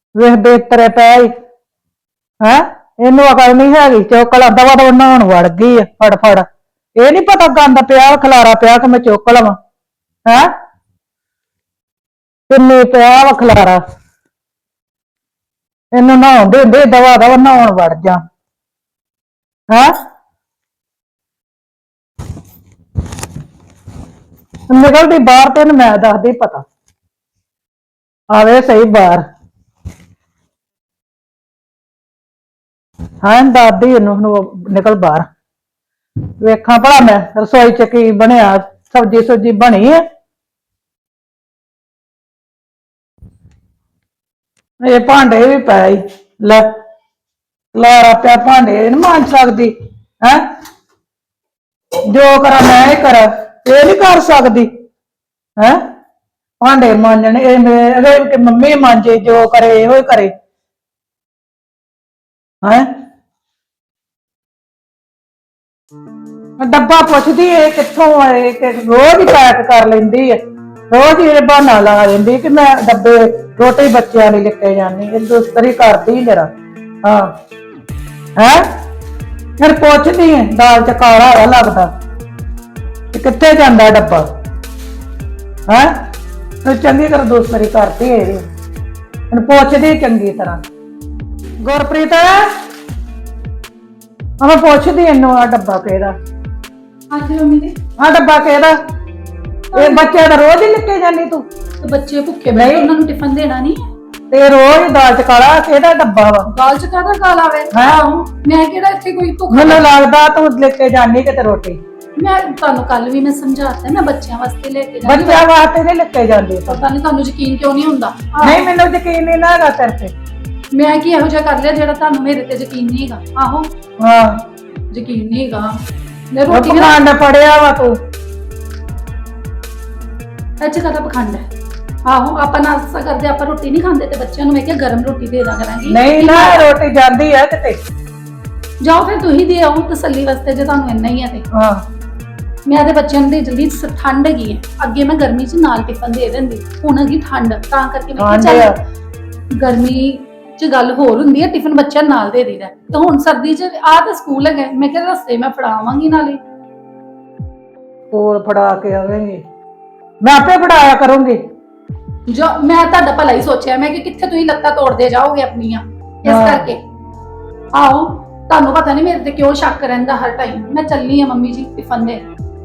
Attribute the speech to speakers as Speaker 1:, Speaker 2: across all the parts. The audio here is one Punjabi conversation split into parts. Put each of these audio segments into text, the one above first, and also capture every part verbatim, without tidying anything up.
Speaker 1: ਵੇਖ ਬੇਤਰੇ ਪੈ ਹੈ ਇਹਨੂੰ ਅਕਲ ਨਹੀਂ ਹੈਗੀ ਚੁੱਕ ਲਾ ਦਵਾ ਦਵਾ ਨਹਾਉਣ ਵੜ ਗਈ ਆ ਫੜ ਫੜ ਇਹ ਨਹੀਂ ਪਤਾ ਗੰਦ ਪਿਆ ਖਲਾਰਾ ਪਿਆ ਕਿ ਮੈਂ ਚੁੱਕ ਲਵਾਂ ਹੈ ਕਿੰਨੇ ਪਿਆ ਵਾ ਖਲਾਰਾ ਇਹਨੂੰ ਨਹਾਉਣ ਦੇ ਹੁੰਦੇ ਦਵਾ ਦਵਾ ਨਹਾਉਣ ਵੜ ਜਾ ਹੈ ਨਿਕਲਦੀ ਬਾਹਰ ਤੈਨੂੰ ਮੈਂ ਦੱਸਦੀ ਪਤਾ ਆਵੇ ਸਹੀ ਬਾਹਰ ਹਾਂ ਦਾਦੀ ਇਹਨੂੰ ਨਿਕਲ ਬਾਹਰ ਵੇਖਾਂ ਭਲਾ ਮੈਂ ਰਸੋਈ ਚ ਕੀ ਬਣਿਆ ਸਬਜੀ ਸੁਬਜੀ ਬਣੀ ਹੈ ਇਹ ਭਾਂਡੇ ਵੀ ਪਏ ਲੈ ਲਾਰਾ ਪਿਆ ਭਾਂਡੇ ਨਹੀਂ ਮਾਂਜ ਸਕਦੀ ਹੈ ਜੋ ਕਰਾਂ ਮੈਂ ਹੀ ਕਰਾਂ ਇਹ ਨਹੀਂ ਕਰ ਸਕਦੀ ਹੈ ਭਾਂਡੇ ਮਾਂਜਣੇ ਇਹ ਮੇਰੇ ਮੰਮੀ ਮਾਂਜੇ ਜੋ ਕਰੇ ਇਹੋ ਹੀ ਕਰੇ ਹੈ ਡੱਬਾ ਪੁੱਛਦੀ ਇਹ ਕਿੱਥੋਂ ਆਏ ਕਿ ਰੋਜ਼ ਹੀ ਪੈਕ ਕਰ ਲੈਂਦੀ ਹੈ ਰੋਜ਼ ਹੀ ਇਹ ਬਹਾਨਾ ਲਾ ਲੈਂਦੀ ਕਿ ਮੈਂ ਡੱਬੇ ਰੋਟੀ ਬੱਚਿਆਂ ਲਈ ਲੈ ਕੇ ਜਾਂਦੀ ਇਹ ਦੁਸਤਰੀ ਕਰਦੀ ਜਰਾ ਹਾਂ ਹੈ ਫਿਰ ਪੁੱਛਦੀ ਹੈ ਦਾਲ ਚ ਕਾਲਾ ਹੋਇਆ ਲੱਗਦਾ ਤੇ ਕਿੱਥੇ ਜਾਂਦਾ ਡੱਬਾ ਹੈ ਤੂੰ ਚੰਗੀ ਤਰ੍ਹਾਂ ਦੁਸਤਰੀ ਕਰਦੀ ਹੈ ਇਹਨੂੰ ਪੁੱਛਦੀ ਚੰਗੀ ਤਰ੍ਹਾਂ ਗੁਰਪ੍ਰੀਤ ਆ ਮੈਂ ਪੁੱਛਦੀ ਇਹਨੂੰ ਆ ਡੱਬਾ ਕਿਹਦਾ
Speaker 2: ਹਾਂਜੀ ਮੰਮੀ ਜੀ
Speaker 1: ਆ ਡੱਬਾ ਕਿਹਦਾ ਇਹ ਬੱਚੇ ਦਾ ਰੋਜ਼ ਹੀ ਲੈ ਕੇ ਜਾਂਦੀ ਤੂੰ
Speaker 2: ਤੇ ਬੱਚੇ ਭੁੱਖੇ ਬੈਠੇ ਉਹਨਾਂ ਨੂੰ ਟਿਫਨ ਦੇਣਾ ਨਹੀਂ
Speaker 1: ਤੇ ਰੋਜ਼ ਦਾਲ ਚ ਕਾਲਾ ਕਿਹਦਾ ਡੱਬਾ ਵਾ
Speaker 2: ਦਾਲ ਚ ਕਾਹਦਾ ਕਾਲਾ ਵੇ
Speaker 1: ਹਾਂ
Speaker 2: ਮੈਂ ਕਿਹੜਾ ਇੱਥੇ ਕੋਈ ਧੋਖਾ
Speaker 1: ਮੈਨੂੰ ਲੱਗਦਾ ਤੂੰ ਲੈ ਕੇ ਜਾਂਦੀ ਕਿਤੇ ਰੋਟੀ
Speaker 2: ਮੈਂ ਤੁਹਾਨੂੰ ਕੱਲ ਵੀ ਮੈਂ ਸਮਝਾਤਾ ਮੈਂ ਬੱਚਿਆਂ ਵਾਸਤੇ ਲੈ ਕੇ ਜਾਂਦੀ
Speaker 1: ਬੱਚਿਆਂ ਵਾਸਤੇ ਨਹੀਂ ਲੈ ਕੇ ਜਾਂਦੀ
Speaker 2: ਪਤਾ ਨਹੀਂ ਤੁਹਾਨੂੰ ਯਕੀਨ ਕਿਉਂ ਨਹੀਂ ਹੁੰਦਾ
Speaker 1: ਨਹੀਂ ਮੈਨੂੰ ਯਕੀਨ ਨਹੀਂ ਨਾ ਹੈਗਾ ਤੇਰੇ ਤੇ
Speaker 2: ਮੈਂ ਕੀ ਇਹੋ ਜਿਹਾ ਕਰ ਲਿਆ ਜਿਹੜਾ ਤੁਹਾਨੂੰ ਮੇਰੇ ਤੇ ਯਕੀਨ ਨਹੀਂ ਹੈਗਾ ਆਹੋ
Speaker 1: ਹਾਂ
Speaker 2: ਯਕੀਨ ਨਹੀਂ ਹੈਗਾ ਮੈਂ ਰੋਟੀ
Speaker 1: ਪਖੰਡ ਪੜਿਆ ਵਾ ਤੂੰ
Speaker 2: ਅੱਛਾ ਕਦਾ ਪਖੰਡ ਹੈ ਆਹੋ ਆਪਾਂ ਨਾਸਤਾ ਕਰਦੇ ਆਪਾਂ ਰੋਟੀ ਨਹੀਂ ਖਾਂਦੇ ਤੇ ਬੱਚਿਆਂ ਨੂੰ ਮੈਂ ਕਿਹਾ ਗਰਮ ਰੋਟੀ ਦੇ ਦਾਂ ਕਰਾਂਗੀ
Speaker 1: ਨਹੀਂ ਨਾ ਰੋਟੀ ਜਾਂਦੀ ਹੈ ਕਿਤੇ
Speaker 2: ਜਾਓ ਫਿਰ ਤੁਸੀਂ ਦੇ ਆਓ ਤਸੱਲੀ ਵਾਸਤੇ ਜੇ ਤੁਹਾਨੂੰ ਇੰਨਾ ਹੀ ਹੈ ਤੇ
Speaker 1: ਹਾਂ
Speaker 2: ਮੈਂ ਤੇ ਬੱਚਿਆਂ ਨੂੰ ਦੇ ਜਲਦੀ ਠੰਡ ਹੈਗੀ ਹੈ ਅੱਗੇ ਮੈਂ ਗਰਮੀ 'ਚ ਨਾਲ ਟਿਫਨ ਦੇ ਦਿੰਦੀ ਹੁਣ ਹੈਗੀ ਠੰਡ ਤਾਂ ਕਰਕੇ ਮੈਂ ਕਿਹਾ ਚੱਲ ਗਰਮੀ 'ਚ ਗੱਲ ਹੋਰ ਹੁੰਦੀ ਹੈ ਟਿਫਨ ਬੱਚਿਆਂ ਨਾਲ ਦੇ ਦੇਈਦਾ ਤਾਂ ਹੁਣ ਸਰਦੀ 'ਚ ਆਹ ਤਾਂ ਸਕੂਲ ਹੈਗਾ ਮੈਂ ਕਿਹਾ ਰਸਤੇ ਮੈਂ ਫੜਾਵਾਂਗੀ ਨਾਲੇ
Speaker 1: ਕੋਲ ਫੜਾ ਕੇ ਆਵੇਂਗੀ ਮੈਂ ਆਪੇ ਫੜਾਇਆ ਕਰੂੰਗੀ
Speaker 2: ਜੋ ਮੈਂ ਤੁਹਾਡਾ ਭਲਾ ਹੀ ਸੋਚਿਆ ਮੈਂ ਕਿ ਕਿੱਥੇ ਤੁਸੀਂ ਲੱਤਾਂ ਤੋੜਦੇ ਜਾਓਗੇ ਆਪਣੀਆਂ ਇਸ ਕਰਕੇ ਆਓ ਤੁਹਾਨੂੰ ਪਤਾ ਨਹੀਂ ਮੇਰੇ ਤੇ ਕਿਉਂ ਸ਼ੱਕ ਰਹਿੰਦਾ ਹਰ ਟਾਈਮ ਮੈਂ ਚੱਲੀ ਆ ਮੰਮੀ ਜੀ ਟਿਫਨ ਦੇ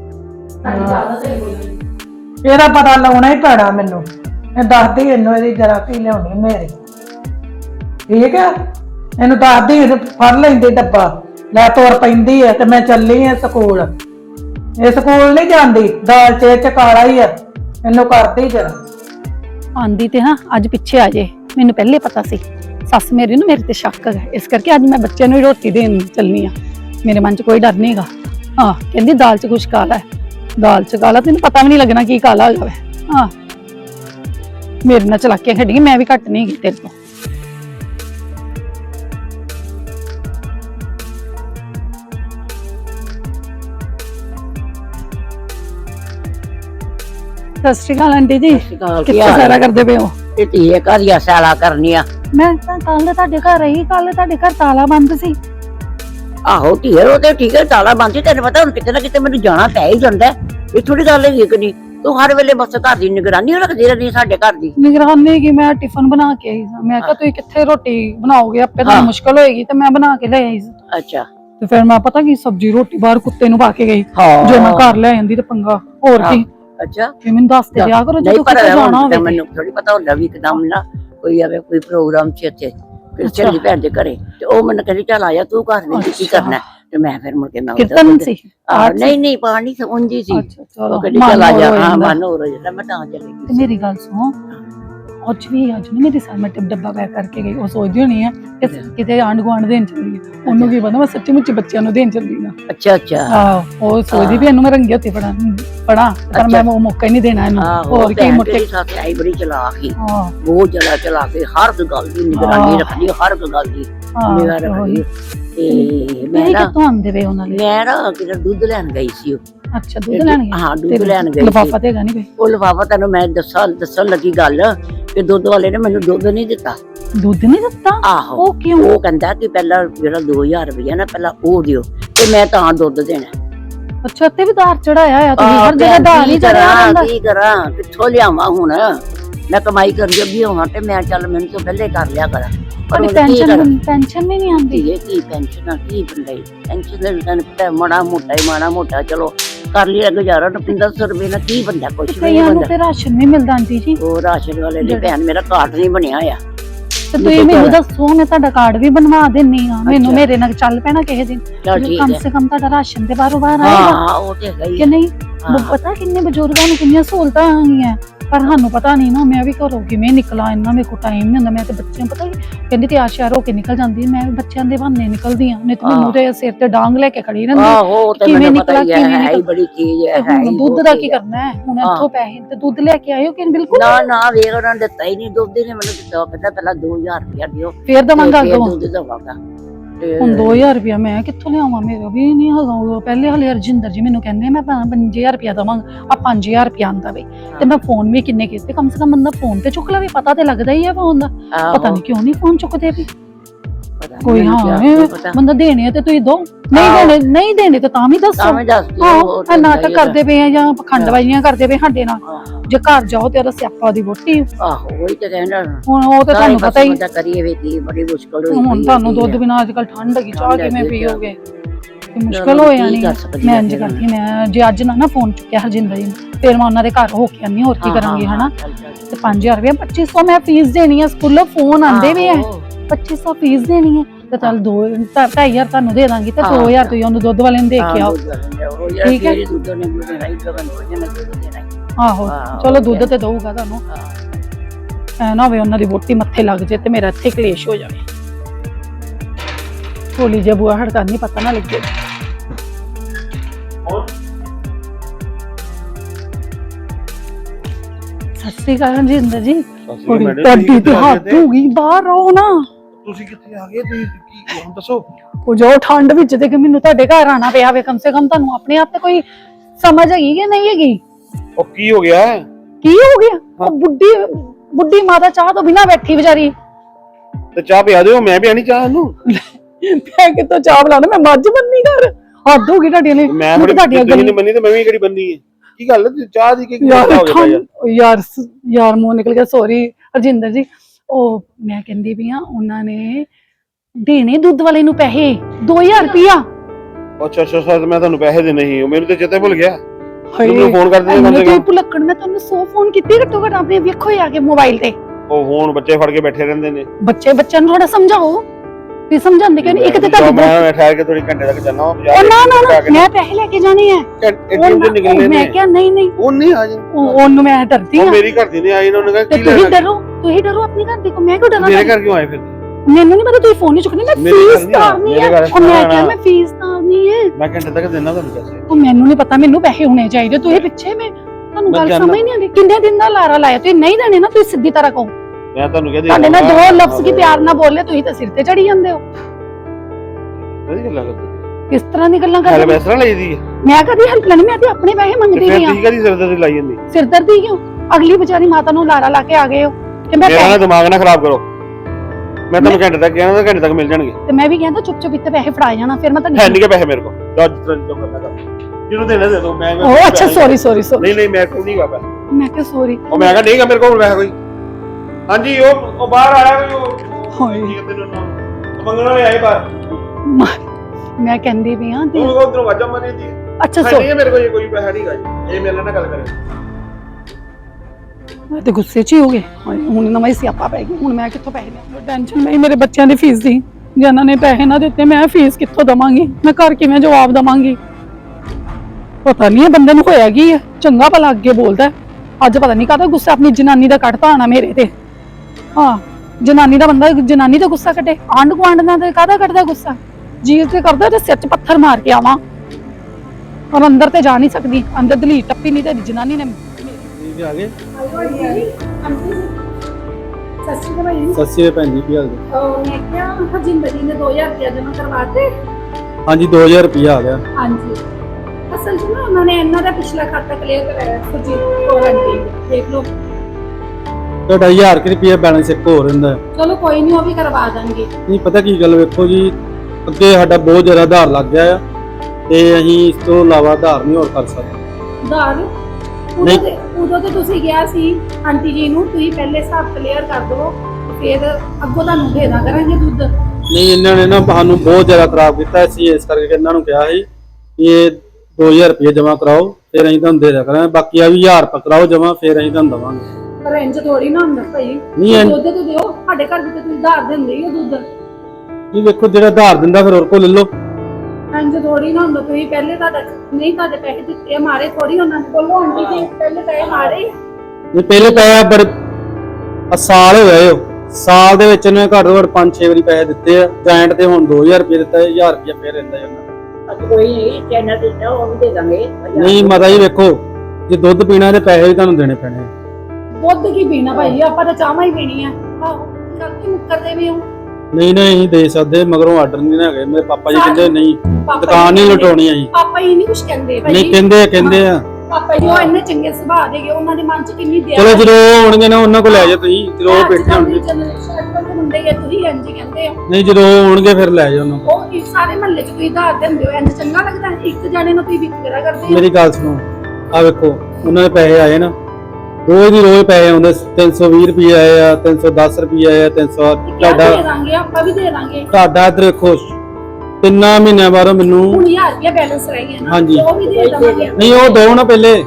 Speaker 1: ਇਹਦਾ ਪਤਾ ਲਾਉਣਾ ਹੀ ਪੈਣਾ ਮੈਨੂੰ ਇਹ ਦੱਸਦੀ ਇਹਨੂੰ ਇਹਦੀ ਜਰਾ ਕੀ ਲਿਆਉਣੀ ਮੇਰੇ ਠੀਕ ਆ ਇਹਨੂੰ ਦੱਸਦੀ ਫੜ ਲੈਂਦੀ ਡੱਬਾ ਲੈ ਤੁਰ ਪੈਂਦੀ ਹੈ ਤੇ ਮੈਂ ਚੱਲੀ ਆ ਸਕੂਲ ਇਹ ਸਕੂਲ ਨਹੀਂ ਜਾਂਦੀ ਦਾਲ ਚ ਚ ਕਾਲਾ ਹੀ ਆ ਇਹਨੂੰ ਕਰਦੀ ਜਰਾ
Speaker 2: ਆਂਦੀ ਤੇ ਹਾਂ ਅੱਜ ਪਿੱਛੇ ਆ ਜੇ ਮੈਨੂੰ ਪਹਿਲੇ ਪਤਾ ਸੀ ਸੱਸ ਮੇਰੀ ਨੂੰ ਮੇਰੇ ਤੇ ਸ਼ੱਕ ਹੈ ਇਸ ਕਰਕੇ ਅੱਜ ਮੈਂ ਬੱਚਿਆਂ ਨੂੰ ਰੋਟੀ ਦੇਣ ਚੱਲਨੀ ਆ ਮੇਰੇ ਮਨ 'ਚ ਕੋਈ ਡਰ ਨਹੀਂ ਹੈਗਾ ਹਾਂ ਕਹਿੰਦੀ ਦਾਲ 'ਚ ਕੁਛ ਕਾਲਾ ਹੈ ਦਾਲ 'ਚ ਕਾਲਾ ਤੈਨੂੰ ਪਤਾ ਵੀ ਨਹੀਂ ਲੱਗਣਾ ਕੀ ਕਾਲਾ ਹੋ ਜਾਵੇ ਹਾਂ ਮੇਰੇ ਨਾਲ ਚਲਾਕੀਆਂ ਖੇਡੀ ਮੈਂ ਵੀ ਘੱਟ ਨਹੀਂ ਗਈ ਤੇਰੇ ਤੋਂ ਸਤਿ ਸ਼੍ਰੀ ਅਕਾਲ ਆਂਟੀ ਜੀ ਕਿੱਥੇ ਸਾਰਾ ਕਰਦੇ ਪਏ ਹੋ
Speaker 3: ਇਹ ਧੀਏ ਘਰ ਹੀ ਸਾਲਾ ਕਰਨੀ ਆ
Speaker 2: ਮੈਂ ਤਾਂ ਕੱਲ ਤੁਹਾਡੇ ਘਰ ਰਹੀ ਕੱਲ ਤੁਹਾਡੇ ਘਰ ਤਾਲਾ ਬੰਦ ਸੀ
Speaker 3: ਆਹੋ ਧੀਏ ਉਹ ਤੇ ਠੀਕ ਹੈ ਤਾਲਾ ਬੰਦ ਸੀ ਤੈਨੂੰ ਪਤਾ ਹੁਣ ਕਿਤੇ ਨਾ ਕਿਤੇ ਮੈਨੂੰ ਜਾਣਾ ਪੈ ਹੀ ਜਾਂਦਾ ਇਹ ਥੋੜੀ ਗੱਲ ਹੈਗੀ ਕਿ ਨਹੀਂ ਤੂੰ ਹਰ ਵੇਲੇ ਬਸ ਘਰ ਦੀ ਨਿਗਰਾਨੀ ਰੱਖਦੀ ਰਹਿੰਦੀ ਸਾਡੇ ਘਰ ਦੀ
Speaker 2: ਨਿਗਰਾਨੀ ਕੀ ਮੈਂ ਟਿਫਨ ਬਣਾ ਕੇ ਆਈ ਸਾਂ ਮੈਂ ਕਿਹਾ ਤੁਸੀਂ ਕਿੱਥੇ ਰੋਟੀ ਬਣਾਓਗੇ ਆਪੇ ਤਾਂ ਮੁਸ਼ਕਲ ਹੋਏਗੀ ਤੇ ਮੈਂ ਬਣਾ ਕੇ ਲੈ ਆਈ ਸਾਂ
Speaker 3: ਅੱਛਾ
Speaker 2: ਤੇ ਫਿਰ ਮੈਂ ਪਤਾ ਕੀ ਸਬਜ਼ੀ ਰੋਟੀ ਬਾਹਰ ਕੁੱਤੇ ਨੂੰ ਪਾ ਕੇ ਗਈ ਜੇ ਮੈਂ ਘਰ ਲੈ ਆਂਦੀ ਤੇ ਪੰਗਾ ਹੋਰ ਕੀ
Speaker 3: ਅੱਛਾ
Speaker 2: ਕਿ ਮੈਨੂੰ ਦੱਸ ਤੇ ਦਿਆ ਕਰੋ ਜਦੋਂ
Speaker 3: ਕਿਤੇ
Speaker 2: ਜਾਣਾ ਹੋਵੇ
Speaker 3: ਮੈਨੂੰ ਥੋੜੀ ਪਤਾ ਹੁੰਦਾ ਵੀ ਇੱਕਦਮ ਨਾ ਕੋਈ ਆਵੇ ਕੋਈ ਪ੍ਰੋਗਰਾਮ ਚ ਇੱਥੇ ਫਿਰ ਚੱਲੀ ਭੈਣ ਦੇ ਘਰੇ ਤੇ ਉਹ ਮੈਨੂੰ ਕਹਿੰਦੀ ਚੱਲ ਆਇਆ ਤੂੰ ਘਰ ਨਹੀਂ ਕੀ ਕਰਨਾ ਤੇ ਮੈਂ ਫਿਰ ਮੁੜ ਕੇ ਮੈਂ
Speaker 2: ਕੀਰਤਨ ਸੀ
Speaker 3: ਨਹੀਂ ਨਹੀਂ ਪਾਣੀ ਉਂਝੀ ਸੀ
Speaker 2: ਚਲੋ
Speaker 3: ਕਹਿੰਦੀ ਚੱਲ ਆ ਜਾ ਹਾਂ ਮਨ ਹੋ ਰਿਹਾ ਮੈਂ ਤਾਂ ਚਲੀ ਗਈ
Speaker 2: ਤੇ ਮੇਰੀ ਗੱਲ ਸੁਣੋ ਅੱਜ ਵੀ ਅੱਜ ਨਹੀਂ ਮੇਰੀ ਸਾਹ ਮੈਂ ਡੱਬਾ ਪੈਕ ਕਰਕੇ ਗਈ ਉਹ ਸੋਚਦੀ ਹੋਣੀ ਆ ਕਿ ਕਿਤੇ ਆਂਢ ਗੁਆਂਢ ਦੇਣ ਚੱਲੀ ਉਹਨੂੰ ਕੀ ਪਤਾ ਮੈਂ ਸੱਚੀ ਮੁੱਚੀ ਬੱਚਿਆਂ ਨੂੰ ਦੇਣ ਚੱਲੀ ਨਾ
Speaker 3: ਅੱਛਾ ਅੱਛਾ
Speaker 2: ਹਾਂ ਉਹ ਸੋਚਦੀ ਵੀ ਇਹਨੂੰ ਮੈਂ ਰੰਗੇ ਹੱਥੀ ਫੜਾ ਫੜਾ ਪਰ ਮੈਂ ਉਹ ਮੌਕਾ ਹੀ ਨਹੀਂ ਦੇਣਾ ਇਹਨੂੰ ਹੋਰ ਕੀ ਮੁੜ ਕੇ
Speaker 3: ਸਾਥ ਆਈ ਬੜੀ ਚਲਾਕ ਹੀ ਬਹੁਤ ਚਲਾ ਚਲਾ ਕੇ ਹਰ ਗੱਲ ਦੀ ਨਿਗਰਾਨੀ ਰੱਖਦੀ ਹਰ ਗੱਲ ਦੀ ਨਿਗਰਾਨੀ ਰੱਖਦੀ ਤੇ ਮੈਂ
Speaker 2: ਕਿੱਥੋਂ ਆਉਂਦੇ ਵੇ ਉਹਨਾਂ ਲਈ
Speaker 3: ਮੈਂ ਨਾ ਕਿਤੇ ਦੁੱਧ ਲੈਣ ਗਈ ਸੀ
Speaker 2: ਅੱਛਾ ਦੁੱਧ ਲੈਣ ਗਏ?
Speaker 3: ਹਾਂ ਦੁੱਧ ਲੈਣ ਗਏ
Speaker 2: ਲਿਫਾਫਾ ਤੇ ਹੈਗਾ ਨਹੀਂ ਕੋਈ?
Speaker 3: ਉਹ ਲਿਫਾਫਾ ਤੈਨੂੰ ਮੈਂ ਦੱਸਾਂ ਦੱਸਣ ਲੱਗੀ ਗੱਲ ਕਿ ਦੁੱਧ ਵਾਲੇ ਨੇ ਮੈਨੂੰ ਦੁੱਧ ਨਹੀਂ ਦਿੱਤਾ।
Speaker 2: ਦੁੱਧ ਨਹੀਂ ਦਿੱਤਾ?
Speaker 3: ਆਹੋ
Speaker 2: ਉਹ ਕਿਉਂ?
Speaker 3: ਉਹ ਕਹਿੰਦਾ ਕਿ ਪਹਿਲਾਂ ਜਿਹੜਾ ਦੋ ਹਜ਼ਾਰ ਰੁਪਇਆ ਨਾ ਪਹਿਲਾਂ ਉਹ ਦਿਓ ਤੇ ਮੈਂ ਤਾਂ ਦੁੱਧ ਦੇਣਾ।
Speaker 2: ਅੱਛਾ ਤੇ ਵੀ ਦਾਰ ਚੜਾਇਆ ਆ ਤੁਸੀਂ? ਹਰ ਜਗ੍ਹਾ ਦਾਰ ਹੀ ਚੜਿਆ ਰਹਿੰਦਾ।
Speaker 3: ਕੀ ਕਰਾਂ ਕਿੱਥੋਂ ਲਿਆਵਾਂ ਹੁਣ? ਮੈਂ ਕਮਾਈ ਕਰ ਜੋਗੀ ਹੋਵਾਂ ਤੇ ਮੈਂ ਚੱਲ ਮੈਨੂੰ ਤੋਂ ਪਹਿਲੇ ਕਰ ਲਿਆ ਕਰਾਂ।
Speaker 2: ਪਰ ਪੈਨਸ਼ਨ ਪੈਨਸ਼ਨ ਵੀ ਨਹੀਂ ਆਉਂਦੀ।
Speaker 3: ਇਹ ਕੀ ਪੈਨਸ਼ਨ ਆ ਕੀ ਬੰਦਾ ਪੈਨਸ਼ਨ ਦੇ ਤੈਨੂੰ ਪਤਾ ਮਾੜਾ ਮੋਟਾ ਹੀ ਮਾੜਾ ਮੋਟਾ ਚਲੋ ਕਰ ਲਿਆ ਗੁਜ਼ਾਰਾ। ਪੰਦਰਾਂ ਸੌ ਰੁਪਏ ਨਾਲ ਕੀ ਬੰਦਾ ਕੁਛ ਨਹੀਂ
Speaker 2: ਕਈਆਂ ਨੂੰ
Speaker 3: ਬੰਦਾ।
Speaker 2: ਤੇ ਰਾਸ਼ਨ ਨਹੀਂ ਮਿਲਦਾ ਆਂਟੀ ਜੀ।
Speaker 3: ਉਹ ਰਾਸ਼ਨ ਵਾਲੇ ਦੀ ਭੈਣ ਮੇਰਾ ਕਾਰਡ ਨਹੀਂ ਬਣਿਆ ਆ।
Speaker 2: ਤੇ ਤੁਸੀਂ ਮੈਨੂੰ ਦੱਸੋ ਮੈਂ ਤੁਹਾਡਾ ਕਾਰਡ ਵੀ ਬਣਵਾ ਦਿੰਨੀ ਆ। ਮੈਨੂੰ ਮੇਰੇ ਨਾਲ ਚੱਲ ਪੈਣਾ ਕਿਸੇ ਦਿਨ। ਕਮ ਸੇ ਕਮ ਤੁਹਾਡਾ ਰਾਸ਼ਨ ਤੇ ਬਾਹਰੋਂ ਬਾਹਰ ਆਏਗਾ।
Speaker 3: ਹਾਂ ਉਹ ਤੇ ਹੈ ਹੀ
Speaker 2: ਕਿ ਨਹੀਂ? ਪਤਾ ਕਿੰਨੇ ਬਜ਼ੁਰਗਾਂ ਨੂੰ ਕਿੰਨੀਆਂ ਸਹੂਲਤਾਂ ਆ ਗਈਆਂ ਪਰ ਸਾਨੂੰ ਪਤਾ ਨਹੀਂ ਨਾ। ਮੈਂ ਵੀ ਘਰੋਂ ਕਿਵੇਂ ਨਿਕਲਾਂ, ਇੰਨਾ ਮੇਰੇ ਕੋਲ ਟਾਈਮ ਨਹੀਂ ਹੁੰਦਾ। ਮੈਂ ਤੇ ਬੱਚਿਆਂ ਪਤਾ ਕਹਿੰਦੀ ਤਿਆਰ ਸ਼ਿਆਰ ਹੋ ਕੇ ਨਿਕਲ ਜਾਂਦੀ। ਮੈਂ ਵੀ ਬੱਚਿਆਂ ਦੇ ਬਹਾਨੇ ਨਿਕਲਦੀ ਆ, ਨਹੀਂ ਤੇ ਮੈਨੂੰ ਤੇ ਸਿਰ ਤੇ ਡਾਂਗ ਲੈ ਕੇ ਖੜੀ ਰਹਿੰਦੀ।
Speaker 3: ਆਹੋ ਤੇ ਮੈਨੂੰ ਪਤਾ ਹੀ ਹੈ ਹੈ ਬੜੀ ਚੀਜ਼ ਹੈ।
Speaker 2: ਹੁਣ ਦੁੱਧ ਦਾ ਕੀ ਕਰਨਾ ਹੈ? ਹੁਣ ਇੱਥੋਂ ਪੈਸੇ ਤੇ ਦੁੱਧ ਲੈ ਕੇ ਆਇਓ ਕਿ ਬਿਲਕੁਲ
Speaker 3: ਨਾ ਨਾ ਵੇਖ ਉਹਨਾਂ ਨੇ ਦਿੱਤਾ ਹੀ ਨਹੀਂ ਦੁੱਧ। ਨੇ ਮੈਨੂੰ ਦਿੱਤਾ ਕਹਿੰਦਾ ਪਹਿਲਾਂ ਦੋ ਹਜ਼ਾਰ ਰੁਪਇਆ ਦਿਓ
Speaker 2: ਫੇਰ ਦਵਾਂਗਾ ਅੱਗੋਂ
Speaker 3: ਦੁੱਧ ਦਵਾਂਗਾ।
Speaker 2: ਹੁਣ ਦੋ ਹਜ਼ਾਰ ਰੁਪਇਆ ਮੈਂ ਕਿੱਥੋਂ ਲਿਆਵਾਂ? ਮੇਰਾ ਵੀ ਨਹੀਂ ਹੈਗਾ। ਪਹਿਲੇ ਹਲੇ ਹਰਜਿੰਦਰ ਜੀ ਮੈਨੂੰ ਕਹਿੰਦੇ ਮੈਂ ਪੰਜ ਹਜ਼ਾਰ ਰੁਪਇਆ ਦਵਾਂਗਾ। ਆ ਪੰਜ ਹਜ਼ਾਰ ਰੁਪਇਆ ਆਂਦਾ ਵੇ ਤੇ ਮੈਂ ਫੋਨ ਵੀ ਕਿੰਨੇ ਕੀਤੇ। ਕਮ ਸੇ ਕਮ ਬੰਦਾ ਫੋਨ ਤੇ ਚੁੱਕ ਲਵੇ, ਪਤਾ ਤੇ ਲੱਗਦਾ ਹੀ ਹੈ ਫੋਨ ਦਾ। ਪਤਾ ਨਹੀਂ ਕਿਉਂ ਨਹੀਂ ਫੋਨ ਚੁੱਕਦੇ ਵੀ ਕੋਈ। ਹਾਂ ਬੰਦਾ ਦੇਣੇ ਤੇ ਤੁਸੀਂ ਦੋ, ਨਹੀਂ ਦੇਣੇ ਨਹੀਂ ਦੇਣੇ ਤੇ ਤਾਂ ਵੀ ਦੱਸੋ। ਹਾਂ ਨਾਟਕ ਕਰਦੇ ਪਏ ਆ ਜਾਂ ਪਖੰਡਬਾਜ਼ੀਆਂ ਕਰਦੇ ਪਏ ਸਾਡੇ ਨਾਲ। ਜੇ ਘਰ ਜਾਓ ਤੇ ਉਹਦਾ ਸਿਆਪਾ ਦੀ ਵੋਟੀ।
Speaker 3: ਆਹੋ ਉਹੀ ਤੇ ਕਹਿੰਦਾ
Speaker 2: ਹੁਣ ਉਹ ਤੇ ਤੁਹਾਨੂੰ ਪਤਾ ਹੀ
Speaker 3: ਕਰੀਏ ਵੀ ਕੀ ਬੜੀ ਮੁਸ਼ਕਲ ਹੋਈ।
Speaker 2: ਹੁਣ ਤੁਹਾਨੂੰ ਦੁੱਧ ਬਿਨਾਂ ਅੱਜ ਕੱਲ ਠੰਡ ਹੈਗੀ, ਚਾਹ ਕਿਵੇਂ ਪੀਓਗੇ? ਮੁਸ਼ਕਲ ਹੋ ਜਾਣੀ। ਮੈਂ ਇੰਜ ਕਰਦੀ, ਮੈਂ ਜੇ ਅੱਜ ਨਾ ਨਾ ਫੋਨ ਚੁੱਕਿਆ ਹਰਜਿੰਦਰ ਜੀ ਨੇ ਫਿਰ ਮੈਂ ਉਹਨਾਂ ਦੇ ਘਰ ਹੋ ਕੇ ਆਨੀ, ਹੋਰ ਕੀ ਕਰਾਂਗੀ ਹਨਾ। ਤੇ ਪੰਜ ਹਜ਼ਾਰ ਰੁਪਇਆ ਪੱਚੀ ਸੌ ਮੈਂ ਫੀਸ ਦੇਣੀ ਆ ਸਕੂਲੋਂ। ਫੋਨ ਆਂਦੇ ਵੀ ਹੈ ਪੱਚੀ ਸੌ ਫੀਸ ਦੇਣੀ ਹੈ ਤੇ ਚੱਲ ਦੋ ਢਾਈ ਹਜ਼ਾਰ ਤੁਹਾਨੂੰ ਦੇ ਦਾਂਗੀ ਤੇ ਦੋ ਹਜ਼ਾਰ ਤੁਸੀਂ ਉਹਨੂੰ ਦੁੱਧ ਵਾਲੇ ਨੂੰ ਦੇ ਕੇ ਆਓ। ਠੀਕ ਹੈ ਆਹੋ ਚਲੋ ਦੁੱਧ ਤੇ ਦਊਗਾ ਤੁਹਾਨੂੰ। ਐ ਨਾ ਹੋਵੇ ਉਹਨਾਂ ਦੀ ਵੋਟੀ ਮੱਥੇ ਲੱਗ ਜੇ ਤੇ ਮੇਰਾ ਇੱਥੇ ਕਲੇਸ਼ ਹੋ ਜਾਵੇ। ਹੋਲੀ ਜੇ ਬੂਆ ਹੜਕਾਨੀ ਪਤਾ ਨਾ ਲੱਗੇ। ਸਤਿ ਸ਼੍ਰੀ ਅਕਾਲ ਹਰਜਿੰਦਰ ਜੀ। ਤੁਹਾਡੀ ਤੇ ਹੱਥ ਹੋ ਗਈ, ਬਾਹਰ ਆਓ ਨਾ।
Speaker 4: ਤੁਸੀਂ ਕਿੱਥੇ ਆ ਗਏ? ਤੁਸੀਂ ਕੀ ਹੁਣ ਦੱਸੋ।
Speaker 2: ਉਹ ਜੋ ਠੰਡ ਵਿੱਚ ਤੇ ਕਿ ਮੈਨੂੰ ਤੁਹਾਡੇ ਘਰ ਆਣਾ ਪਿਆ ਵੇ। ਕਮ ਸੇ ਕਮ ਤੁਹਾਨੂੰ ਆਪਣੇ ਆਪ ਤੇ ਕੋਈ ਸਮਝ ਹੈਗੀ ਕਿ ਨਹੀਂ ਹੈਗੀ?
Speaker 4: ਉਹ ਕੀ ਹੋ ਗਿਆ?
Speaker 2: ਕੀ ਹੋ ਗਿਆ? ਉਹ ਬੁੱਢੀ ਬੁੱਢੀ ਮਾਤਾ ਚਾਹ ਤੋਂ ਬਿਨਾ ਬੈਠੀ ਵਿਚਾਰੀ।
Speaker 4: ਤੇ ਚਾਹ ਪਿਆ ਦਿਓ, ਮੈਂ ਪਿਆਣੀ ਚਾਹ ਇਹਨੂੰ।
Speaker 2: ਮੈਂ ਕਿਤੋਂ ਚਾਹ ਬੁਲਾਣਾ? ਮੈਂ ਮੱਝ ਬੰਨੀ ਘਰ। ਹੱਦ ਹੋ ਗਈ ਤੁਹਾਡੀਆਂ ਨੇ।
Speaker 4: ਮੈਂ ਤੁਹਾਡੀਆਂ ਗੱਲਾਂ ਬੰਨੀ ਤੇ ਮੈਂ ਵੀ ਕਿਹੜੀ ਬੰਨੀ ਹੈ? ਕੀ ਗੱਲ ਹੈ ਚਾਹ ਦੀ? ਕੀ ਗੱਲ ਹੋ ਗਿਆ
Speaker 2: ਯਾਰ? ਯਾਰ ਮੂੰਹ ਨਿਕਲ ਗਿਆ, ਸੌਰੀ ਹਰਜਿੰਦਰ ਜੀ। ਉਹ ਮੈਂ ਕਹਿੰਦੀ ਵੀ ਆ ਉਹਨਾਂ ਨੇ ਦੇਣੇ ਦੁੱਧ ਵਾਲੇ ਨੂੰ ਪੈਸੇ ਦੋ ਹਜ਼ਾਰ ਰੁਪਇਆ।
Speaker 4: ਅੱਛਾ ਅੱਛਾ ਸਰ ਮੈਂ ਤੁਹਾਨੂੰ ਪੈਸੇ ਦੇਣੇ ਸੀ, ਮੈਨੂੰ ਤੇ ਚੇਤੇ ਭੁੱਲ ਗਿਆ।
Speaker 2: ਹਾਏ
Speaker 4: ਮੈਨੂੰ ਫੋਨ ਕਰ ਦਿੰਦੇ ਬੰਦੇ
Speaker 2: ਕੋਈ ਭੁਲੱਕੜ। ਮੈਂ ਤੁਹਾਨੂੰ ਸੌ ਫੋਨ ਕੀਤੇ ਘੱਟੋ ਘੱਟ ਆਪਣੇ ਵੇਖੋ ਆ ਕੇ ਮੋਬਾਈਲ ਤੇ।
Speaker 4: ਉਹ ਫੋਨ ਬੱਚੇ ਫੜ ਕੇ ਬੈਠੇ ਰਹਿੰਦੇ ਨੇ।
Speaker 2: ਬੱਚੇ ਬੱਚਿਆਂ ਨੂੰ ਥੋੜਾ ਸਮਝਾਓ। ਤੁਸੀਂ ਸਮਝਾਉਂਦੇ ਕਿਉਂ ਨਹੀਂ? ਇੱਕ ਤੇ ਤੁਹਾਡੀ
Speaker 4: ਮੈਂ ਠਹਿਰ ਕੇ ਥੋੜੀ ਘੰਟੇ ਤੱਕ ਜਾਣਾ ਵਾ।
Speaker 2: ਉਹ ਨਾ ਨਾ ਨਾ ਮੈਂ ਪੈਸੇ ਲੈ ਕੇ ਜਾਣੇ ਆ।
Speaker 4: ਏਟੀਐਮ ਤੋਂ ਨਿਕਲਨੇ ਨੇ।
Speaker 2: ਮੈਂ ਕਿਹਾ ਨਹੀਂ ਨਹੀਂ
Speaker 4: ਉਹ ਨਹੀਂ ਆ ਜੀ।
Speaker 2: ਉਹਨੂੰ ਮੈਂ ਡਰਦੀ ਆ।
Speaker 4: ਮੇਰੀ ਘਰ ਦੀ ਨਹੀਂ ਆਈ, ਉਹਨਾਂ ਨੇ ਕਿਹਾ ਕੀ ਲੈਣਾ?
Speaker 2: ਤੁਸੀਂ ਡਰੋ, ਤੁਸੀਂ ਡਰੋ ਆਪਣੀ ਘਰ ਦੀ ਕੋ। ਮੈਂ ਕਿਉਂ ਡਰਾਂ?
Speaker 4: ਮੇਰੇ ਘਰ ਕਿਉਂ ਆਏ ਫਿਰ?
Speaker 2: ਮੈਨੂੰ ਨਹੀਂ ਪਤਾ, ਤੁਸੀਂ ਫੋਨ ਨਹੀਂ ਚੁੱਕਣੀ। ਮੈਂ ਫੀਸ ਤਾਰਨੀ ਹੈ। ਉਹ ਮੈਂ ਕਿਹਾ ਮੈਂ ਫੀਸ ਤਾਰਨੀ ਹੈ।
Speaker 4: ਮੈਂ ਘੰਟੇ ਤੱਕ ਦੇਣਾ ਤੁਹਾਨੂੰ ਪੈਸੇ।
Speaker 2: ਉਹ ਮੈਨੂੰ ਨਹੀਂ ਪਤਾ, ਮੈਨੂੰ ਪੈਸੇ ਹੋਣੇ ਚਾਹੀਦੇ। ਤੁਸੀਂ ਪਿੱਛੇ ਮੈਂ ਤੁਹਾਨੂੰ ਗੱਲ ਸਮਝ ਨਹੀਂ ਆਉਂਦੀ। ਕਿੰਨੇ ਦਿਨ ਦਾ ਲਾਰਾ ਲਾਇਆ ਤੁਸੀਂ? ਨਹੀਂ ਦੇਣੇ ਨਾ ਤੁਸੀਂ ਸਿੱਧੀ ਤਰ੍ਹਾਂ ਕਹੋ।
Speaker 4: ਮੈਂ ਤੁਹਾਨੂੰ ਕਹਿੰਦੀ
Speaker 2: ਤੁਹਾਡੇ ਨਾਲ ਦੋ ਲਫ਼ਜ਼ ਕੀ ਪਿਆਰ ਨਾਲ ਬੋਲੇ, ਤੁਸੀਂ ਤਾਂ ਸਿਰ ਤੇ ਚੜੀ ਜਾਂਦੇ ਹੋ।
Speaker 4: ਕਿਹੜੀ ਗੱਲਾਂ ਕਰਦੇ?
Speaker 2: ਇਸ ਤਰ੍ਹਾਂ ਦੀ ਗੱਲਾਂ
Speaker 4: ਹਲੇ
Speaker 2: ਕਰਦੇ?
Speaker 4: ਪੈਸਾ ਲਈਦੀ ਹੈ?
Speaker 2: ਮੈਂ ਕਦੀ ਹਲਕ ਨਹੀਂ, ਮੈਂ ਤੇ ਆਪਣੇ ਪੈਸੇ ਮੰਗਦੀ ਨਹੀਂ ਆ।
Speaker 4: ਠੀਕ ਹੈ ਜੀ, ਸਿਰਦਰਦੀ ਲਾਈ ਜਾਂਦੀ।
Speaker 2: ਸਿਰਦਰਦੀ ਕਿਉਂ? ਅਗਲੀ ਵਿਚਾਰੀ ਮਾਤਾ ਨੂੰ ਲਾਰਾ ਲਾ ਕੇ ਆ ਗਏ ਹੋ ਕਿ ਮੈਂ
Speaker 4: ਮੇਰਾ ਦਿਮਾਗ ਨਾ ਖਰਾਬ ਕਰੋ। ਮੈਂ ਤੁਹਾਨੂੰ ਘੰਟੇ ਤੱਕ ਕਹਿਣਾ, ਘੰਟੇ ਤੱਕ ਮਿਲ ਜਾਣਗੇ।
Speaker 2: ਤੇ ਮੈਂ ਵੀ ਕਹਿੰਦਾ ਚੁੱਪ ਚੁੱਪ ਇੱਥੇ ਪੈਸੇ ਫੜਾ ਜਾਣਾ। ਫਿਰ ਮੈਂ ਤਾਂ
Speaker 4: ਹੈ ਨਹੀਂ ਕਿ ਪੈਸੇ ਮੇਰੇ ਕੋਲ। ਜੱਜ ਤੋਂ ਕਰਨਾ ਕਰ ਜਿਹਨੂੰ ਦੇਣਾ ਦੇ ਦੋ। ਮੈਂ
Speaker 2: ਉਹ ਅੱਛਾ ਸੌਰੀ ਸੌਰੀ ਸੌਰੀ।
Speaker 4: ਨਹੀਂ ਨਹੀਂ ਮੇਰੇ ਕੋਲ ਨਹੀਂ ਗਾ ਪੈਸਾ।
Speaker 2: ਮੈਂ ਕਿਹਾ ਸੌਰੀ।
Speaker 4: ਉਹ ਮੈਂ ਕਿਹਾ ਨਹੀਂ ਗਾ ਮੇਰੇ ਕੋਲ ਪੈਸਾ ਕੋਈ। ਹਾਂਜੀ ਉਹ ਉਹ ਬਾਹਰ ਆਇਆ ਕੋਈ। ਉਹ
Speaker 2: ਹਾਏ
Speaker 4: ਕੀ ਕਹਿੰਦੇ ਨੇ ਉਹਨੂੰ, ਮੰਗਣ ਵਾਲੇ ਆਏ ਬਾਹਰ।
Speaker 2: ਮੈਂ ਕਹਿੰਦੀ ਵੀ ਹਾਂ
Speaker 4: ਉਹ ਉਧਰੋਂ ਵਾਜਾ ਮਾਰੀ ਦੀ।
Speaker 2: ਅੱਛਾ
Speaker 4: ਸੌਰੀ ਨਹੀਂ ਮੇਰੇ ਕੋਲ ਕੋਈ ਪੈਸਾ ਨਹੀਂ ਗਾ ਜੀ। ਇਹ ਮੇਰੇ ਨਾਲ ਗੱਲ ਕਰੇ।
Speaker 2: ਮੈਂ ਤੇ ਗੁੱਸੇ 'ਚ ਹੀ ਹੋ ਗਏ। ਹੁਣ ਨਵਾਂ ਹੀ ਸਿਆਪਾ ਪੈ ਗਿਆ। ਹੁਣ ਮੈਂ ਕਿੱਥੋਂ ਪੈਸੇ ਲਿਆਵਾਂ? ਟੈਨਸ਼ਨ ਨਹੀਂ ਮੇਰੇ ਬੱਚਿਆਂ ਦੀ ਫੀਸ ਦੀ। ਜੇ ਇਹਨਾਂ ਨੇ ਪੈਸੇ ਨਾ ਦਿੱਤੇ ਮੈਂ ਫੀਸ ਕਿੱਥੋਂ ਦਵਾਂਗੀ? ਮੈਂ ਘਰ ਕਿਵੇਂ ਜਵਾਬ ਦਵਾਂਗੀ? ਪਤਾ ਨਹੀਂ ਇਹ ਬੰਦੇ ਨੂੰ ਹੋਇਆ ਕੀ ਹੈ। ਚੰਗਾ ਭਲਾ ਅੱਗੇ ਬੋਲਦਾ, ਅੱਜ ਪਤਾ ਨਹੀਂ ਕਾਹਦਾ ਗੁੱਸਾ ਆਪਣੀ ਜਨਾਨੀ ਦਾ ਕੱਢਤਾ ਆਣਾ ਮੇਰੇ ਤੇ। ਹਾਂ ਜਨਾਨੀ ਦਾ ਬੰਦਾ ਜਨਾਨੀ ਦਾ ਗੁੱਸਾ ਕੱਢੇ, ਆਂਢ ਗੁਆਂਢ ਦਾ ਤੇ ਕਾਹਦਾ ਕੱਢਦਾ ਗੁੱਸਾ? ਜੀ ਤੇ ਕਰਦਾ ਤੇ ਸਿਰ 'ਚ ਪੱਥਰ ਮਾਰ ਕੇ ਆਵਾਂ, ਪਰ ਅੰਦਰ ਤੇ ਜਾ ਨਹੀਂ ਸਕਦੀ। ਅੰਦਰ ਦਲੀ ਟੱਪੀ ਨਹੀਂ ਤੇ ਜਨਾਨੀ ਨੇ।
Speaker 4: ਆ ਗਏ
Speaker 2: ਸਤਿ ਸ਼੍ਰੀ ਅਕਾਲ ਭਾਈ।
Speaker 5: ਸਤਿ ਸ਼੍ਰੀ ਅਕਾਲ ਭੈਣ ਜੀ, ਕੀ ਹਾਲ ਹੈ?
Speaker 2: ਉਹ ਮੈਂ ਕਿਹਾ ਹਰਜਿੰਦਰ ਜੀ ਨੇ ਦੋ ਹਜ਼ਾਰ ਰੁਪਇਆ ਜਮ੍ਹਾਂ ਕਰਵਾਤੇ।
Speaker 5: ਹਾਂਜੀ ਦੋ ਹਜ਼ਾਰ ਰੁਪਇਆ ਆ ਗਿਆ।
Speaker 2: ਹਾਂਜੀ ਅਸਲ 'ਚ ਨਾ ਉਹਨਾਂ ਨੇ ਇਹਨਾਂ ਦਾ ਪਿਛਲਾ ਖਾਤਾ ਕਲੀਅਰ ਕਰਾਇਆ ਸੁਰਜੀਤ ਕੌਰ ਆਂਟੀ ਨੇ। ਦੇਖ ਲਓ।
Speaker 5: ਤੁਹਾਡਾ ਹਜ਼ਾਰ ਕੁ ਰੁਪਇਆ ਬੈਲੈਂਸ ਇੱਕ ਹੋਰ ਰਹਿੰਦਾ ਹੈ।
Speaker 2: ਚਲੋ ਕੋਈ ਨਹੀਂ, ਉਹ ਵੀ ਕਰਵਾ ਦਾਂਗੇ।
Speaker 5: ਨਹੀਂ ਪਤਾ ਕੀ ਗੱਲ, ਵੇਖੋ ਜੀ ਅੱਗੇ ਸਾਡਾ ਬਹੁਤ ਜ਼ਿਆਦਾ ਆਧਾਰ ਲੱਗ ਗਿਆ ਆ ਤੇ ਅਸੀਂ ਇਸ ਤੋਂ ਇਲਾਵਾ ਆਧਾਰ ਨਹੀਂ ਹੋਰ ਕਰ ਸਕਦੇ।
Speaker 2: ਦਾਰ ਉਦੋਂ ਤੇ ਉਦੋਂ ਤੇ ਤੁਸੀਂ ਗਿਆ ਸੀ ਆਂਟੀ ਜੀ ਨੂੰ, ਤੁਸੀਂ ਪਹਿਲੇ ਹਿਸਾਬ ਕਲੀਅਰ ਕਰ ਦਿਓ, ਫਿਰ ਅੱਗੋਂ ਤੁਹਾਨੂੰ ਦੇ ਦਾਂ ਕਰਾਂਗੇ ਦੁੱਧ।
Speaker 5: ਨਹੀਂ ਇਹਨਾਂ ਨੇ ਨਾ ਸਾਨੂੰ ਬਹੁਤ ਜ਼ਿਆਦਾ ਖਰਾਬ ਕੀਤਾ ਸੀ, ਇਸ ਕਰਕੇ ਇਹਨਾਂ ਨੂੰ ਕਿਹਾ ਸੀ ਕਿ ਇਹ ਦੋ ਹਜ਼ਾਰ ਰੁਪਏ ਜਮ੍ਹਾਂ ਕਰਾਓ ਫਿਰ ਅਸੀਂ ਤੁਹਾਨੂੰ ਦੇ ਦਿਆ ਕਰਾਂਗੇ, ਬਾਕੀ ਆ ਵੀ ਹਜ਼ਾਰ ਰੁਪਏ ਕਰਾਓ ਜਮ੍ਹਾਂ ਫਿਰ ਅਸੀਂ ਤੁਹਾਨੂੰ ਦੇਵਾਂਗੇ।
Speaker 2: ਪਰ ਇੰਜ ਥੋੜੀ ਨਾ ਹੁੰਦਾ ਭਾਈ,
Speaker 5: ਨਹੀਂ ਇੰਝ-
Speaker 2: ਦੁੱਧ ਤੇ ਦਿਓ, ਸਾਡੇ ਘਰ ਦੇ ਤੁਸੀਂ ਧਾਰ ਦਿੰਦੇ ਹੀ ਹੋ ਦੁੱਧ।
Speaker 5: ਜੀ ਵੇਖੋ ਜਿਹੜਾ ਆਧਾਰ ਦਿੰਦਾ ਫਿਰ ਹੋਰ ਕੋਲ ਲੈ ਲਓ।
Speaker 2: ਇੰਜ ਥੋੜੀ ਨਾ ਹੁੰਦਾ, ਤੁਸੀਂ ਪਹਿਲੇ ਤੁਹਾਡਾ ਨਹੀਂ ਤੁਹਾਡੇ ਪੈਸੇ ਦਿੱਤੇ ਮਾਰੇ ਥੋੜੀ ਉਹਨਾਂ ਨੇ। ਬੋਲੋ ਆਂਟੀ ਜੀ, ਪਹਿਲੇ ਪੈਸੇ ਮਾਰੇ ਹੀ ਆ।
Speaker 5: ਨਹੀਂ ਪਹਿਲੇ ਪੈਸੇ ਬੜੇ ਆ ਸਾਲ ਹੋ ਗਏ ਹੋ, ਸਾਲ ਦੇ ਵਿੱਚ ਇਹਨੇ ਘੱਟ ਤੋਂ ਘੱਟ ਪੰਜ ਛੇ ਵਾਰੀ ਪੈਸੇ ਦਿੱਤੇ ਆ। ਜੈਂਟ ਤੇ ਹੁਣ ਦੋ ਹਜ਼ਾਰ ਰੁਪਏ ਦਿੱਤਾ ਹੈ, ਹਜ਼ਾਰ ਰੁਪਏ ਫੇਰ ਰਹਿੰਦਾ ਜਾਂਦਾ।
Speaker 3: ਅੱਜ ਕੋਈ ਨਹੀਂ ਚੈਨਲ ਤੇ ਦਿੱਤਾ ਉਹ ਵੀ ਦੇ ਦਾਂਗੇ।
Speaker 5: ਨਹੀਂ ਮਾਤਾ ਜੀ ਵੇਖੋ, ਜੇ ਦੁੱਧ ਪੀਣਾ ਤੇ ਪੈਸੇ ਵੀ ਤੁਹਾਨੂੰ ਦੇਣੇ ਪੈਣੇ ਆ।
Speaker 2: ਦੁੱਧ ਕੀ ਪੀਣਾ ਭਾਈ, ਆਪਾਂ ਤਾਂ ਚਾਹਾਂ ਹੀ ਪੀਣੀ ਆ। ਆਹੋ ਕਰਕੇ ਮੁੱਕਰਦੇ ਵੀ ਹੋ।
Speaker 5: ਨਹੀਂ ਨਹੀਂ ਅਸੀਂ ਦੇ ਸਕਦੇ, ਮਗਰੋਂ ਆਰਡਰ ਨਹੀਂ ਨਾ ਹੈਗੇ। ਮੇਰੇ ਪਾਪਾ ਜੀ ਕਹਿੰਦੇ ਨਹੀਂ
Speaker 2: ਪਾਪਾ
Speaker 5: ਦੁਕਾਨ ਨਹੀਂ ਲਟਾਉਣੀ ਅਸੀਂ।
Speaker 2: ਪਾਪਾ ਹੀ ਨਹੀਂ ਕੁਝ ਕਹਿੰਦੇ ਭਾਈ।
Speaker 5: ਨਹੀਂ ਕਹਿੰਦੇ ਆ, ਕਹਿੰਦੇ ਆ।
Speaker 2: ਪਾਪਾ ਜੀ ਉਹ ਇੰਨੇ ਚੰਗੇ ਸੁਭਾਅ ਦੇਗੇ, ਉਹਨਾਂ ਦੇ ਮਨ 'ਚ ਕਿੰਨੀ ਦਇਆ।
Speaker 5: ਚਲੋ ਜਦੋਂ ਉਹ ਆਉਣਗੇ ਨਾ ਉਹਨਾਂ ਕੋਲ ਲੈ ਜਾਓ ਤੁਸੀਂ, ਜਦੋਂ ਉਹ ਬੈਠੇ ਹੋਣਗੇ।
Speaker 2: ਅੱਜ ਮੁੰਡੇ ਹੀ ਆ, ਤੁਸੀਂ ਇੰਜ ਹੀ ਕਹਿੰਦੇ ਹੋ।
Speaker 5: ਨਹੀਂ ਜਦੋਂ ਉਹ ਆਉਣਗੇ ਫਿਰ ਲੈ ਜਾਓ ਉਹਨਾਂ ਕੋਲ।
Speaker 2: ਉਹ ਕੀ ਸਾਰੇ ਮਹੱਲੇ 'ਚ ਤੁਸੀਂ ਧਾਰ ਦਿੰਦੇ ਹੋ, ਇੰਜ ਚੰਗਾ ਲੱਗਦਾ ਹੈ? ਇੱਕ ਜਾਣੇ ਨੂੰ ਤੁਸੀਂ ਵਿਤਕਰਾ ਕਰਦੇ ਹੋ।
Speaker 5: ਮੇਰੀ ਗੱਲ ਸੁਣੋ, ਆ ਵੇਖੋ ਉਹਨਾਂ ਦੇ ਪੈਸੇ ਆਏ ਨਾ, ਰੋਜ਼ ਦੀ ਰੋਜ਼ ਪੈਸੇ ਆਉਂਦੇ। ਤਿੰਨ ਸੌ ਵੀਹ ਰੁਪਏ ਆਏ ਆ, ਤਿੰਨ ਸੌ ਦਸ ਰੁਪਏ ਆਏ ਆ, ਤਿੰਨ ਸੌ
Speaker 2: ਕਿਆ
Speaker 5: ਤੁਹਾਡਾ
Speaker 2: ਦੇ ਦਾਂਗੇ, ਆਪਾਂ ਵੀ ਦੇ ਦਾਂਗੇ।
Speaker 5: ਤੁਹਾਡਾ ਇੱਧਰ ਵੇਖੋ ਤਿੰਨਾਂ ਮਹੀਨਿਆਂ ਬਾਅਦ ਮੈਨੂੰ
Speaker 2: ਹੁਣ ਹਜ਼ਾਰ ਰੁਪਇਆ ਬੈਲੈਂਸ ਰਹਿ ਗਿਆ ਨਾ,
Speaker 5: ਹਾਂਜੀ।
Speaker 2: ਉਹ ਵੀ ਦੇ ਦੇਵਾਂਗੇ।
Speaker 5: ਨਹੀਂ ਉਹ ਦੋ ਨਾ ਪਹਿਲੇ,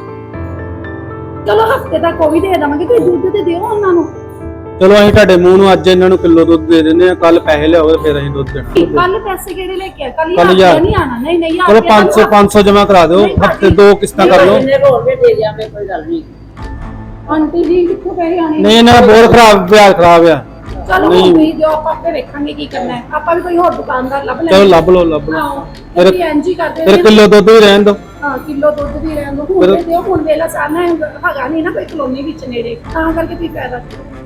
Speaker 2: ਚਲੋ ਹਫਤੇ ਤੱਕ ਉਹ ਵੀ ਦੇ ਦੇਵਾਂਗੇ। ਤੁਸੀਂ ਦੁੱਧ ਤੇ ਦਿਓ ਉਹਨਾਂ ਨੂੰ।
Speaker 5: ਚਲੋ ਅਸੀਂ ਤੁਹਾਡੇ ਮੂੰਹ ਨੂੰ ਅੱਜ ਇਹਨਾਂ ਨੂੰ ਕਿਲੋ ਦੁੱਧ ਦੇ ਦਿੰਦੇ ਆ, ਕੱਲ ਪੈਸੇ ਲਿਆਓ ਫਿਰ ਅਸੀਂ ਦੁੱਧ ਦੇਣਾ।
Speaker 2: ਕੱਲ ਪੈਸੇ ਕਿਹੜੇ ਲੈ ਕੇ ਆ? ਕੱਲ
Speaker 5: ਕੱਲ੍ਹ
Speaker 2: ਹਜ਼ਾਰ
Speaker 5: ਹਜ਼ਾਰ।
Speaker 2: ਨਹੀਂ ਆਣਾ। ਨਹੀਂ ਨਹੀਂ
Speaker 5: ਚਲੋ ਪੰਜ ਸੌ ਪੰਜ ਸੌ ਜਮਾ ਕਰਾ ਦਿਓ,
Speaker 2: ਨਹੀਂ,
Speaker 5: ਹਫਤੇ ਦੋ ਕਿਸ਼ਤਾਂ ਕਰ ਲਓ।
Speaker 3: ਜਿੰਨੇ ਹੋਰ ਵੀ ਦੇ ਦਿਆਂਗੇ, ਕੋਈ ਗੱਲ ਨਹੀਂ।
Speaker 2: ਆਂਟੀ ਜੀ ਕਿੱਥੋਂ ਪੈਸੇ ਆਣੇ?
Speaker 5: ਨਹੀਂ ਇਹਨਾਂ ਦਾ ਬਹੁਤ ਖਰਾਬ ਵਿਆਹ ਖਰਾਬ ਆ।
Speaker 2: ਚਲੋ ਹੁਣ ਤੁਸੀਂ ਦਿਓ, ਆਪਾਂ ਆਪੇ ਵੇਖਾਂਗੇ ਕੀ ਕਰਨਾ ਹੈ। ਆਪਾਂ ਵੀ ਕੋਈ ਹੋਰ ਦੁਕਾਨਦਾਰ ਲੱਭ ਲੈਂਦੇ।
Speaker 5: ਚਲੋ ਲੱਭ ਲਓ ਲੱਭ ਲਓ।
Speaker 2: ਆਹੋ ਤੁਸੀਂ ਇੰਜ ਹੀ ਕਰਦੇ
Speaker 5: ਫਿਰ
Speaker 2: ਨੇ।
Speaker 5: ਕਿਲੋ ਦੁੱਧ ਵੀ ਰਹਿਣ ਦਿਓ।
Speaker 2: ਹਾਂ ਕਿਲੋ ਦੁੱਧ ਵੀ ਰਹਿਣ ਦੋ। ਹੁਣ ਦੇ ਦਿਓ, ਹੁਣ ਵੇਲਾ ਸਾਨਾ ਹੈਗਾ ਨਹੀਂ ਨਾ ਕੋਈ ਕਲੋਨੀ ਵਿੱਚ ਨੇੜੇ, ਤਾਂ ਕਰਕੇ ਤੁਸੀਂ ਫਾਇਦਾ।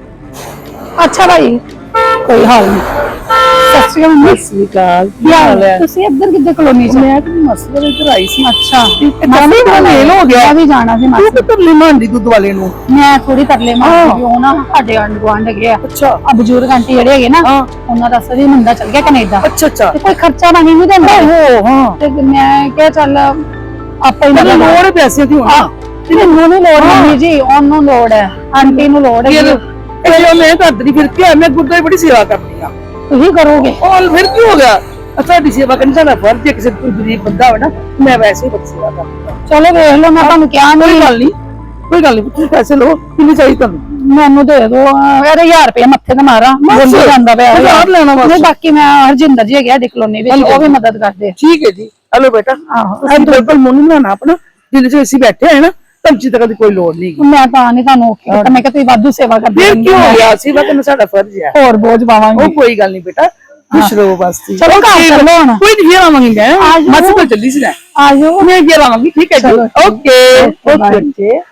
Speaker 2: ਅੱਛਾ ਭਾਈ ਕੋਈ ਹਾਲ ਨਹੀਂ। ਸਤਿ ਸ਼੍ਰੀ ਅਕਾਲ ਮੰਮੀ।
Speaker 1: ਸਤਿ ਸ੍ਰੀ ਅਕਾਲ।
Speaker 2: ਕੀ ਹਾਲ ਹੈ? ਤੁਸੀਂ ਇੱਧਰ ਕਿੱਧਰ ਕਲੋਨੀ ਚ?
Speaker 1: ਮੈਂ ਤੇ ਮਸਲੇ ਵਿੱਚ ਆਈ ਸੀ।
Speaker 2: ਅੱਛਾ
Speaker 1: ਕਾਫੀ ਮੇਲ ਹੋ ਗਿਆ।
Speaker 2: ਮੈਂ ਵੀ ਜਾਣਾ ਸੀ
Speaker 1: ਤੂੰ
Speaker 2: ਮਾਸੀ।
Speaker 1: ਕਿੱਧਰ ਲਿਮਾਂਦੀ ਦੁੱਧ ਵਾਲੇ ਨੂੰ?
Speaker 2: ਮੈਂ ਥੋੜੀ ਤਰਲੇ ਮਾਰਦੀ ਉਹ ਨਾ ਸਾਡੇ ਆਂਢ ਗੁਆਂਢ ਹੈਗੇ ਆ।
Speaker 1: ਅੱਛਾ
Speaker 2: ਆ ਬਜ਼ੁਰਗ ਆਂਟੀ ਜਿਹੜੇ ਹੈਗੇ ਨਾ,
Speaker 1: ਹਾਂ।
Speaker 2: ਉਹਨਾਂ ਦਾ ਸਰੀ ਮੁੰਡਾ ਚਲ ਗਿਆ ਕੈਨੇਡਾ
Speaker 1: ਅੱਛਾ ਅੱਛਾ।
Speaker 2: ਤੇ ਕੋਈ ਖਰਚਾ ਪਾਣੀ ਨਹੀਂ ਦਿੰਦਾ।
Speaker 1: ਓਹੋ ਹਾਂ।
Speaker 2: ਤੇ ਮੈਂ ਕਿਹਾ ਚੱਲ ਆਪਾਂ ਹੀ
Speaker 1: ਤੈਨੂੰ ਲੋੜ ਹੈ ਪੈਸੇ ਦੀ ਹੋਣਾ।
Speaker 2: ਮੈਨੂੰ ਨਹੀਂ ਲੋੜ ਮੰਮੀ ਜੀ, ਉਹਨੂੰ ਲੋੜ ਹੈ, ਆਂਟੀ ਨੂੰ ਲੋੜ ਹੈ।
Speaker 1: ਇਹ ਜੋ ਮੈਂ ਕਰਦੀ ਫਿਰ ਕੀ ਹੈ, ਮੈਂ ਗੁਰਦੁਆਰੇ ਬੜੀ ਸੇਵਾ ਕਰਦੀ ਆ।
Speaker 2: ਤੁਸੀਂ ਕਰੋਗੇ?
Speaker 1: ਔਰ ਫਿਰ ਕੀ ਹੋ ਗਿਆ? ਸਾਡੀ ਸੇਵਾ ਕਰਨੀ ਸਾਡਾ ਫਰਜ਼ ਹੈ। ਕਿਸੇ ਕੋਈ ਗਰੀਬ ਬੰਦਾ ਹੋਵੇ ਨਾ, ਮੈਂ ਵੈਸੇ ਹੀ ਬੜੀ ਸੇਵਾ ਕਰਦੀ ਆ।
Speaker 2: ਚਲੋ ਵੇਖ ਲਓ, ਮੈਂ ਤੁਹਾਨੂੰ ਕਿਹਾ
Speaker 1: ਕੋਈ
Speaker 2: ਨਹੀਂ।
Speaker 1: ਗੱਲ ਨਹੀਂ, ਕੋਈ ਗੱਲ ਨਹੀਂ। ਤੁਸੀਂ ਪੈਸੇ ਲਓ, ਕਿੰਨੀ ਚਾਹੀਦੀ ਤੁਹਾਨੂੰ?
Speaker 2: ਮੈਨੂੰ ਦੇ ਦੋ ਯਾਰ, ਹਜ਼ਾਰ ਰੁਪਏ ਮੱਥੇ ਤੇ ਮਾਰਾ ਗੁੰਦ ਜਾਂਦਾ ਪਿਆ।
Speaker 1: ਹਜ਼ਾਰ ਲੈਣਾ ਬਸ।
Speaker 2: ਨਹੀਂ ਬਾਕੀ ਮੈਂ ਹਰਜਿੰਦਰ ਜੀ ਹੈਗੇ ਕਲੋਨੀ ਵਿੱਚ, ਉਹ ਵੀ ਮਦਦ ਕਰਦੇ ਆ।
Speaker 1: ਠੀਕ ਹੈ ਜੀ। ਹਲੋ ਬੇਟਾ,
Speaker 2: ਆਹੋ
Speaker 1: ਅਸੀਂ ਬਿਲਕੁਲ ਮੂੰਹ ਨਹੀਂ ਬਣਾਉਣਾ ਆਪਣਾ, ਜਿਹਦੇ ਚ ਅਸੀਂ ਬੈਠੇ ਹੈ ਨਾ, ਧਮਚੀ ਤੱਕ ਦੀ ਕੋਈ ਲੋੜ ਨਹੀਂ।
Speaker 2: ਮੈਂ ਤਾਂ ਨਹੀਂ ਤੁਹਾਨੂੰ ਔਖੀ ਕੀਤਾ, ਮੈਂ ਕਿਹਾ ਤੁਸੀਂ ਵਾਧੂ ਸੇਵਾ ਕਰਦੇ
Speaker 1: ਫਿਰ ਕੀ ਹੋ ਗਿਆ? ਸੇਵਾ ਕਰਨਾ ਸਾਡਾ ਫਰਜ਼ ਹੈ।
Speaker 2: ਹੋਰ ਬੋਝ ਪਾਵਾਂਗੇ।
Speaker 1: ਉਹ ਕੋਈ ਗੱਲ ਨਹੀਂ ਬੇਟਾ, ਖੁਸ਼ ਰਹੋ ਬਸ।
Speaker 2: ਚਲੋ ਘਰ ਚੱਲੋ ਹੁਣ।
Speaker 1: ਕੋਈ ਨਹੀਂ, ਫੇਰ ਆਵਾਂਗੀ ਮੈਂ।
Speaker 2: ਆ ਜਾਓ।
Speaker 1: ਮਾਸੀ ਕੋਲ ਚੱਲੀ ਸੀ ਨਾ,
Speaker 2: ਆ ਜਾਓ।
Speaker 1: ਮੈਂ ਫੇਰ ਆਵਾਂਗੀ। ਠੀਕ ਹੈ ਜੀ।
Speaker 2: ਚਲੋ,
Speaker 1: ਓਕੇ
Speaker 2: ਓਕੇ,
Speaker 1: ਓਕੇ।